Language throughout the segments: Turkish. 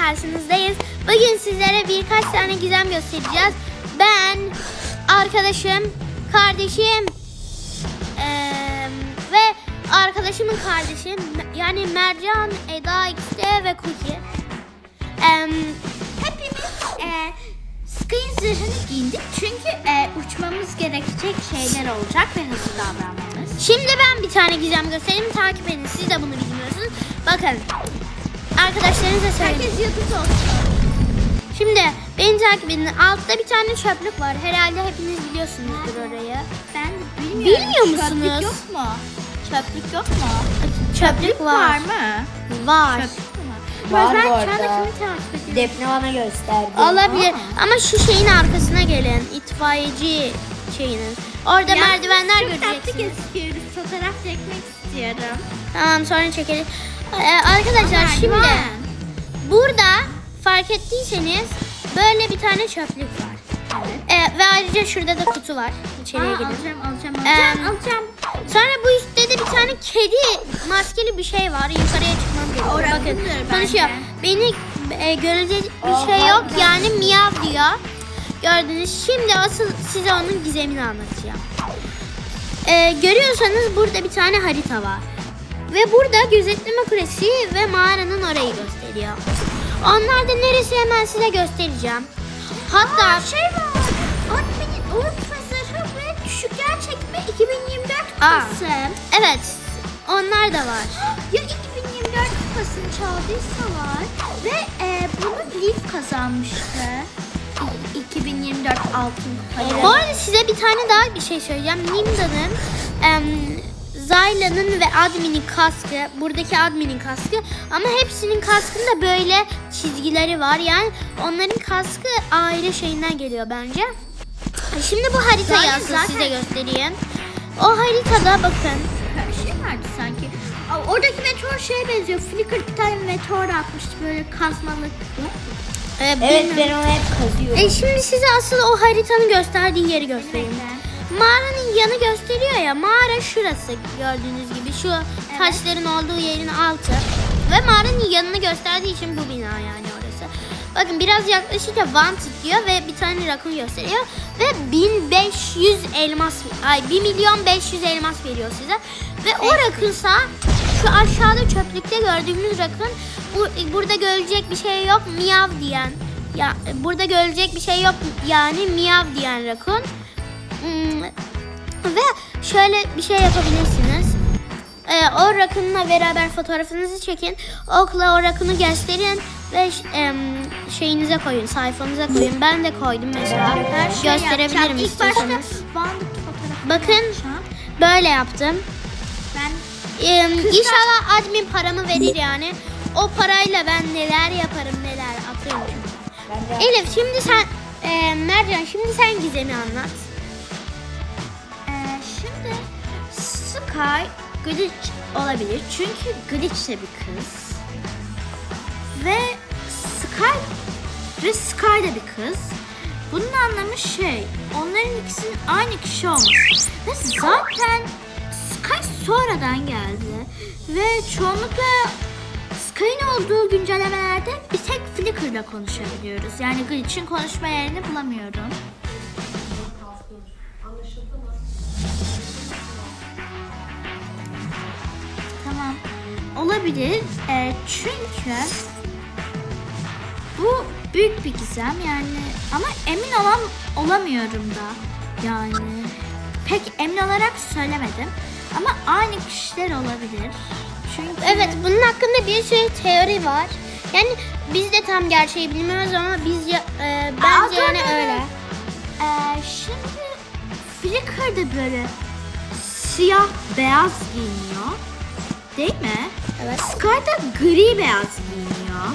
karşınızdayız. Bugün sizlere birkaç tane gizem göstereceğiz. Ben, arkadaşım, kardeşim ve arkadaşımın kardeşi yani Mercan, Eda, XD ve Cookie. Hepimiz Sky'ın zırhını giyindik çünkü uçmamız gerekecek şeyler olacak ve hızlı davranmamız. Şimdi ben bir tane gizem göstereyim, takip edin. Siz de bunu bilmiyorsunuz. Bakın, arkadaşlarınıza söyleyin. Herkes yıldız olsun. Şimdi beni takip edin. Altta bir tane çöplük var. Herhalde hepiniz biliyorsunuzdur orayı. Ben de bilmiyorum. Bilmiyor musunuz? Çöplük yok mu? Çöplük yok mu? Çöplük Var mı? Var. Çöplük mü? Var Ben bu şu anda arada. kimi takip ediyorum? Defne bana gösterdi. Olabilir. Ama şu şeyin arkasına gelin. İtfaiyeci şeyinin. Orada merdivenler Çok tatlı göreceksiniz. gözüküyoruz. Fotoğraf çekmek istiyorum. Tamam, sonra çekelim. Arkadaşlar şimdi Merdiven. burada fark ettiyseniz böyle bir tane çöplük var. Evet. Ve ayrıca şurada da kutu var. İçeriye gidin. Alacağım. Sonra bu üstte de bir tane kedi maskeli bir şey var. Yukarıya çıkmam gerekiyor. Orası Bakın bence. konuşuyor. Beni görecek bir şey yok. Yani miyav diyor. Gördünüz. Şimdi asıl size onun gizemini anlatacağım. Görüyorsanız burada bir tane harita var. Ve burada gözetleme kulesi ve mağaranın orayı gösteriyor. Onlar da neresi hemen size göstereceğim. Hatta Şey var. Admin'in unutma zırhı ve düşükler çekme 2024 Aa. kupası. evet, onlar da var. Ya 2024 kupasını çaldıysa var. Ve bunu Leaf kazanmıştı. 2024 altın kupayı. Bu arada size bir tane daha bir şey söyleyeceğim. Nimda'nın, Zayla'nın ve Admin'in kaskı, buradaki Admin'in kaskı, ama hepsinin kaskında böyle çizgileri var. Yani onların kaskı aile şeyinden geliyor bence. Şimdi bu haritayı asıl size göstereyim. O haritada bakın. Şey vardı sanki. Oradaki meteor şeye benziyor. Flicker bir tane meteor atmıştı böyle kazmalı. Evet, bilmiyorum. ben onu hep kazıyorum. Şimdi size asıl o haritanın gösterdiği yeri göstereyim. Mağaranın yanı gösteriyor ya. Mağara şurası, gördüğünüz gibi. Şu taşların olduğu yerin altı. Ve mağaranın yanını gösterdiği için bu bina yani orası. Bakın biraz yaklaşınca wanted diyor ve bir tane rakun gösteriyor. Ve 1500 elmas, 1.500.000 elmas veriyor size. Ve o rakunsa şu aşağıda çöplükte gördüğümüz rakun, burada görecek bir şey yok miyav diyen. Ya burada görecek bir şey yok yani miyav diyen rakun. Ve şöyle bir şey yapabilirsiniz. O rakunla beraber fotoğrafınızı çekin. Okla o rakunu gösterin ve şeyinize koyun, sayfanıza koyun. Ben de koydum mesela. Gösterebilirim İlk başta istiyorsanız. bandık fotoğrafı. Bakın böyle yaptım. Ben İnşallah admin paramı verir yani. O parayla ben neler yaparım, neler atarım. Ben de Elif, şimdi sen Mercan, şimdi sen gizemi anlat. şimdi Sky glitch olabilir. Çünkü glitch de bir kız. Ve Sky da bir kız. Bunun anlamı şey, onların ikisinin aynı kişi olması. Ve zaten Sky sonradan geldi. Ve çoğunlukla Sky'ın olduğu güncellemelerde bir tek Flickr'la konuşabiliyoruz. Yani glitch'in konuşma yerini bulamıyorum. Tamam. Olabilir. Çünkü bu büyük bir gizem yani, ama emin olamıyorum da. Yani pek emin olarak söylemedim. Ama aynı kişiler olabilir. Çünkü Evet, bunun hakkında bir sürü teori var. Yani biz de tam gerçeği bilmiyoruz ama bence yani öyle. Şimdi Flicker de böyle siyah beyaz giyiniyor. Değil mi? Evet. Sky da gri beyaz giyiniyor.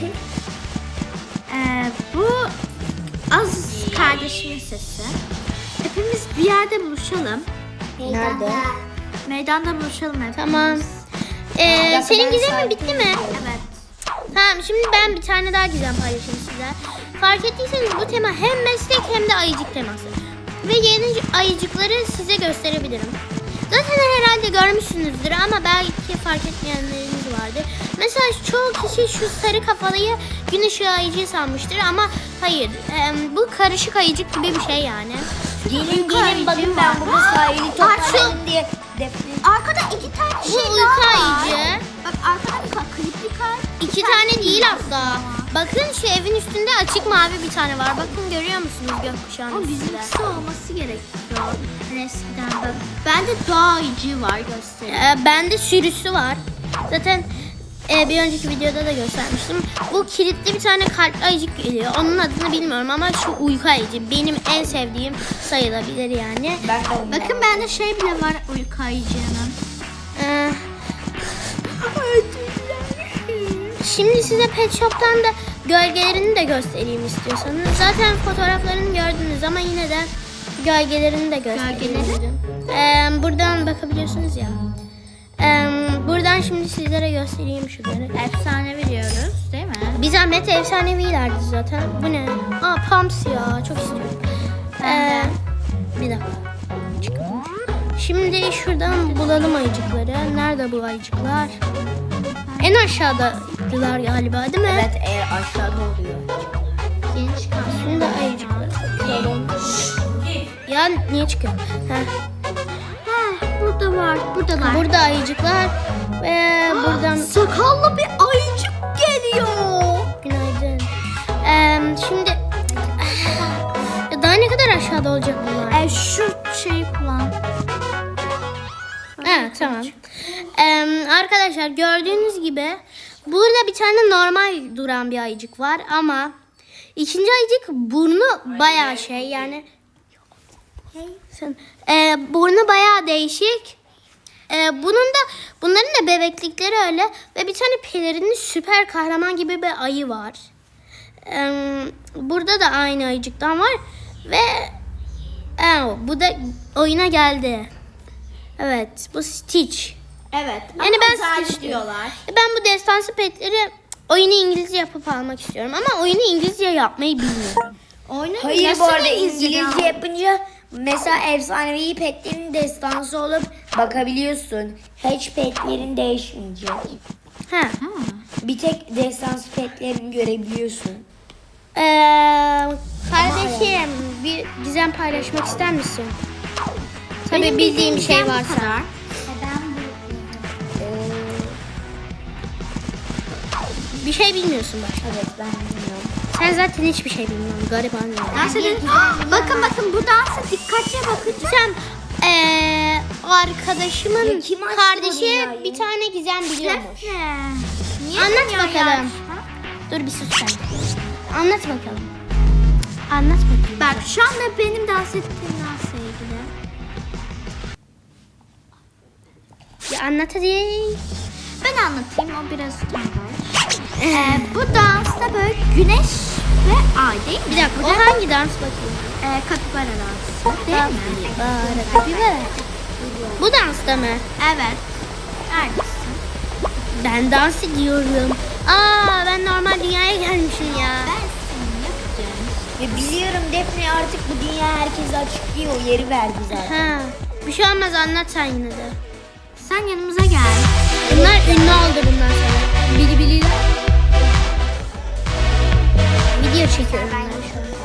Bu Az kardeşimin sesi. Hepimiz bir yerde buluşalım. nerede? Meydanda buluşalım hepimiz. Tamam. dakika, Senin ben gizemin sakin bitti mi? Evet. Tamam, şimdi ben bir tane daha gizem paylaşayım size. Fark ettiyseniz bu tema hem meslek hem de ayıcık teması. Ve yeni ayıcıkları size gösterebilirim. Zaten herhalde görmüşsünüzdür ama belki fark etmeyenleriniz vardır. Mesela çoğu kişi şu sarı kafalıyı gün ışığı ayıcı sanmıştır ama hayır. Bu karışık ayıcık gibi bir şey yani. Gelin bakın ben burada sahili toparladım diye. Arkada 2 tane Bu şey uyku daha var. ayıcı. Bak arkada bir klipli kar. 2 tane değil hatta. Bakın şu evin üstünde açık mavi bir tane var. Bakın görüyor musunuz gökkuşağının Ama üstünde? bizimkisi olması gerekiyor. Hani eskiden bak. Bende doğa ayıcı var göstereyim. Bende sürüsü var. Zaten bir önceki videoda da göstermiştim. Bu kilitli bir tane kalpli ayıcık geliyor. Onun adını bilmiyorum ama şu uyku ayıcı benim en sevdiğim sayılabilir yani. Bakın bende şey bile var uyku ayıcının. Ee, Şimdi size Pet Shop'tan da gölgelerini de göstereyim istiyorsanız. Zaten fotoğraflarını gördünüz ama yine de gölgelerini de göstereyim. Gölgeleri? Buradan bakabiliyorsunuz ya. Buradan şimdi sizlere göstereyim şunları. Efsane biliyoruz değil mi? Bir zahmet efsanevilerdi zaten. Bu ne? Aa Pumps ya. Çok istiyorum. Bir dakika. Çıkalım. Şimdi şuradan bulalım ayıcıkları. Nerede bu ayıcıklar? En aşağıdadılar galiba değil mi? Evet aşağıda oluyor. Yeni çıkan. Şimdi ayıcıkları bakıyorum. Ya niye çıkıyor? Burada var. Buradalar. Burada ayıcıklar ve buradan Sakallı bir ayıcık geliyor. günaydın. Şimdi ya daha ne kadar aşağıda olacak bunlar? Şu şeyi kullan. Evet tamam. Arkadaşlar gördüğünüz gibi burada bir tane normal duran bir ayıcık var ama ikinci ayıcık burnu bayağı şey yani burnu bayağı değişik. Bunların da bebeklikleri öyle ve bir tane pelerinli süper kahraman gibi bir ayı var. Burada da aynı ayıcıktan var ve bu da oyuna geldi. Evet, bu Stitch. Evet. Yani ben Stitch Stitch diyorlar. Ben bu destansı petleri oyunu İngilizce yapıp almak istiyorum ama oyunu İngilizce yapmayı bilmiyorum. Oyunu Hayır nasıl bu arada İngilizce İngilizce yapınca mesela efsanevi petlerin destansı olup bakabiliyorsun. Hiç petlerin değişmeyecek. Ha. Bir tek destansı petlerini görebiliyorsun. Kardeşim bir gizem paylaşmak ister misin? Tabii Benim bildiğim bir şey gizem bu varsa. kadar. Bir şey bilmiyorsun bak. Evet ben bilmiyorum. Sen zaten hiçbir şey bilmiyorsun. Gariban ya. Dans edelim. Bakın bu dansa dikkatli bakın. Sen arkadaşımın Ya kim açtı bu kardeşi dünyayı? bir tane gizem biliyormuş. Niye Anlat dünyayı bakalım. açma? Dur bir sus sen. Anlat bakalım. Anlat bakayım. Bak şu anda benim dans ettiğim dansla ilgili. Ya anlat hadi. Ben anlatayım o biraz utangaç. Bu dansta böyle güneş ve ay değil mi? Bir dakika o hangi dans bakayım? Kapibara dansı değil mi? Kapibara. Bu dansta mı? Evet. Neredesin? Ben dans ediyorum. Ben normal dünyaya gelmişim ya. Ben seni yapacağım. Ya biliyorum Defne artık bu dünya herkese açıklıyor. Yeri verdi zaten. Ha. Bir şey olmaz anlat sen yine de. Sen yanımıza gel. Bunlar ünlü oldu bundan sonra. Bili biliyle. Video çekiyorum ben şu an.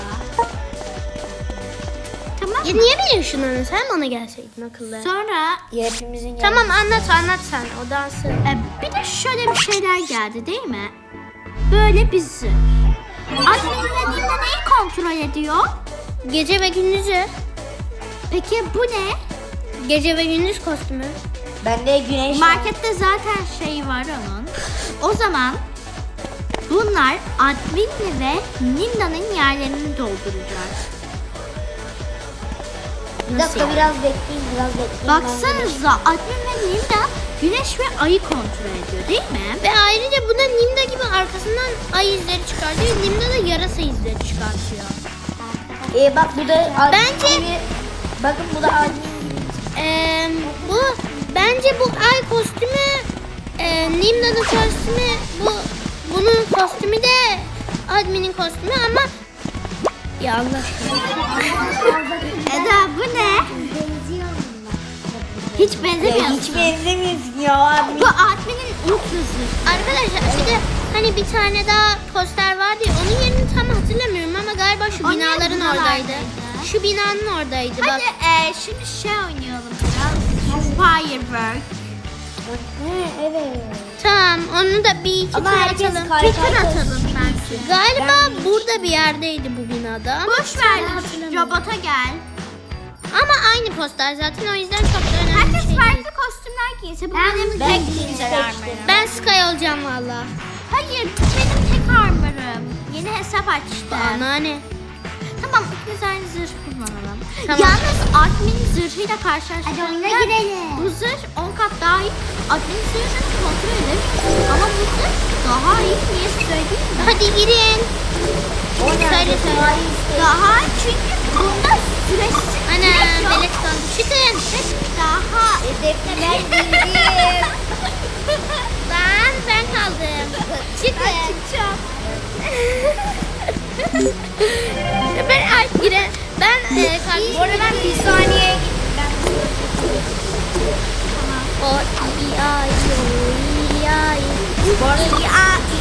Tamam. Ya niye beni ışınladın? Sen bana gelseydin akıllı. Sonra Ya hepimizin Tamam anlat sen o dansı. bir de şöyle bir şeyler geldi değil mi? Böyle bizi. Admin'le neyi kontrol ediyor? Gece ve gündüzü. Peki bu ne? Gece ve gündüz kostümü. Bende güneş var. Markette zaten şey var onun. O zaman bunlar Admin'le ve Ninda'nın yerlerini dolduracak. Bir dakika biraz bekleyin. Baksanıza Admin ve Ninda güneş ve ayı kontrol ediyor değil mi? Ve ayrıca bu da Nimda gibi arkasından ay izleri çıkartıyor. Nimda da yarasa izleri çıkartıyor. Bak bu da Bence- gibi. Bakın bu da admin. Bence bu ay kostümü Nimda'nın kostümü bunun kostümü de adminin kostümü ama ya Allah aşkına. Eda bu ne? Hiç Ya benzemiyorsun. hiç benzemiyorsun ya. Bu adminin ultra zırh. Arkadaşlar bir de hani bir tane daha poster vardı ya, onun yerini tam hatırlamıyorum ama galiba şu Onun binaların yerini oradaydı. neredeydi? Şu binanın oradaydı bak. Hadi şimdi şey oynayalım biraz. Firework. Evet. Tamam onu da bir iki Ama tur herkes atalım. Tekrar atalım bence. Galiba Ben- burada bir yerdeydi bu binada ama Boş ver. hatırlamıyorum. Robota gel. Ama aynı poster zaten, o yüzden çok da önemli bir Herkes şey değil. farklı kostümler giyse bu benim ben tek jeans güzel seçtim. armorım. Ben Sky olacağım valla. Hayır benim tek armorım. Yeni hesap açtım. Bana ne? Tamam ikimiz aynı zırh kullanalım. Tamam. Yalnız admin zırhıyla karşılaştığında Hadi oyuna girelim. bu zırh 10 kat daha iyi. Admin zırhını kontrol edemiyorsun. Ama bu zırh daha iyi. Niye söyleyeyim mi? Hadi girin. O nerede? Söyle, söyle. Tarih işte. Daha çünkü bunda süresiz Ana süre yok. belet kaldı. Çıkın. Daha Defne ben bildim. Ben kaldım. Çıkın. çıkacağım. Ben giren. Ben kardeşim. Bu arada ben bir saniye O iyi ay iyi ay. Bu arada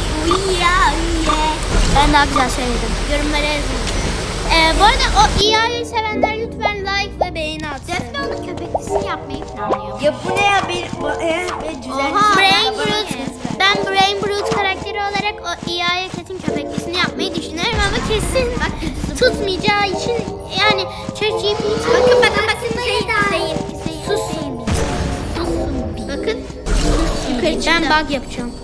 Ben daha güzel söyledim. Yorumlara yazın. Bu arada o EA'yı sevenler lütfen like ve beğeni atsın. Defne onun köpeklisini yapmayı planlıyor. ya bu ne ya bir güzel. Oha. Brain Bana Brute. ne? Ben Brain Brute karakteri olarak o EA'ya kesin köpeklisini yapmayı düşünüyorum ama kesin tutmayacağı için yani ChatGPT. Bakın. Sus. Bakın. Ben bug yapacağım.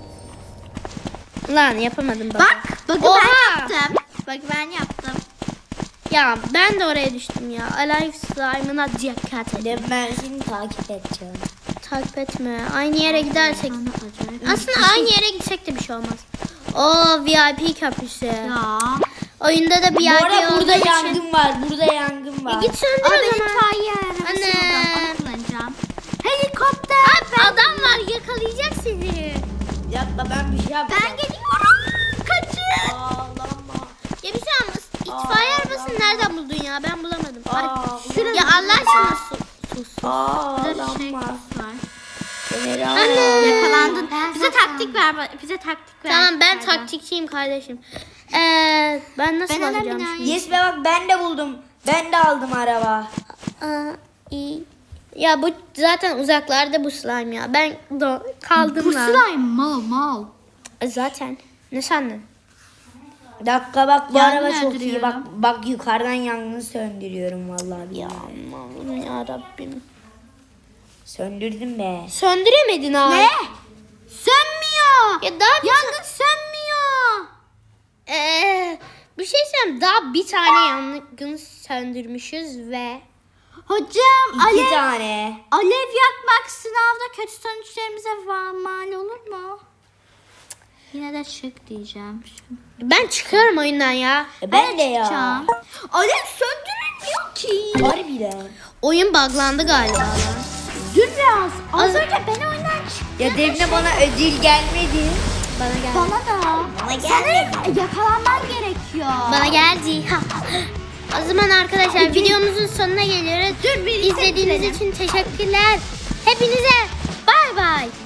Lan yapamadım bug. Bak, bakın Oha! ben yaptım. Bak ben yaptım. Ya ben de oraya düştüm ya. Alive Slime'ına dikkat edin. Ben seni takip edeceğim. Takip etme. Aynı yere gidersek. Acayip. Aslında aynı yere gitsek de bir şey olmaz. O VIP köprüsü. Ya. Oyunda da VIP Bu arada olduğu burada için. yangın var. Burada yangın var. Git söndür Ama o benim zaman. itfaiye arabası Anne. oradan onu kullanacağım. Helikopter. Adam var yakalayacak seni. Yapma ben bir şey yapacağım. Ben geliyorum. Kaçın. Ağlama. Ya bir şey olmaz. İtfaiye arabasını nereden buldun ya? Ben bulamadım. Aa, Şurada. Ya Allah aşkına sus. Ağlama. var. Seni Anne. Yakalandın. Bize taktik ver. Bize taktik ver. Tamam ben taktikçiyim kardeşim. Ben nasıl Ben alacağım binayı- şimdi? Yes be bak ben de buldum. Ben de aldım araba. İyi. Ya bu zaten uzaklarda bu slime ya. Ben kaldım Bu lan. slime mal. Zaten. Ne sandın? Bir dakika bak bu Yangın araba çok iyi. öldürüyorum. Bak yukarıdan yangını söndürüyorum vallahi. Ya Allah'ım ya Rabbim. Söndürdüm be. Söndüremedin abi. Ne? Sönmüyor. Ya daha bir Yangın sönmüyor. bir şey söyleyeyim. Daha bir tane yangın söndürmüşüz ve Hocam İki alev, tane. alev yakmak sınavda kötü sonuçlarımıza mal olur mu? Yine de şık diyeceğim. ben çıkıyorum oyundan ya. Ben de ya. Çıkacağım. Alev söndürülmüyor ki. Harbiden. Oyun buglandı galiba lan. Dur biraz. Az önce ben oyundan çıktım. Ya Defne bana ödül gelmedi. Bana geldi. Bana da. Bana Sanırım yakalanman gerekiyor. Bana geldi. O zaman arkadaşlar videomuzun sonuna geliyoruz. Dur bir İzlediğiniz için teşekkürler. Hepinize bay bay.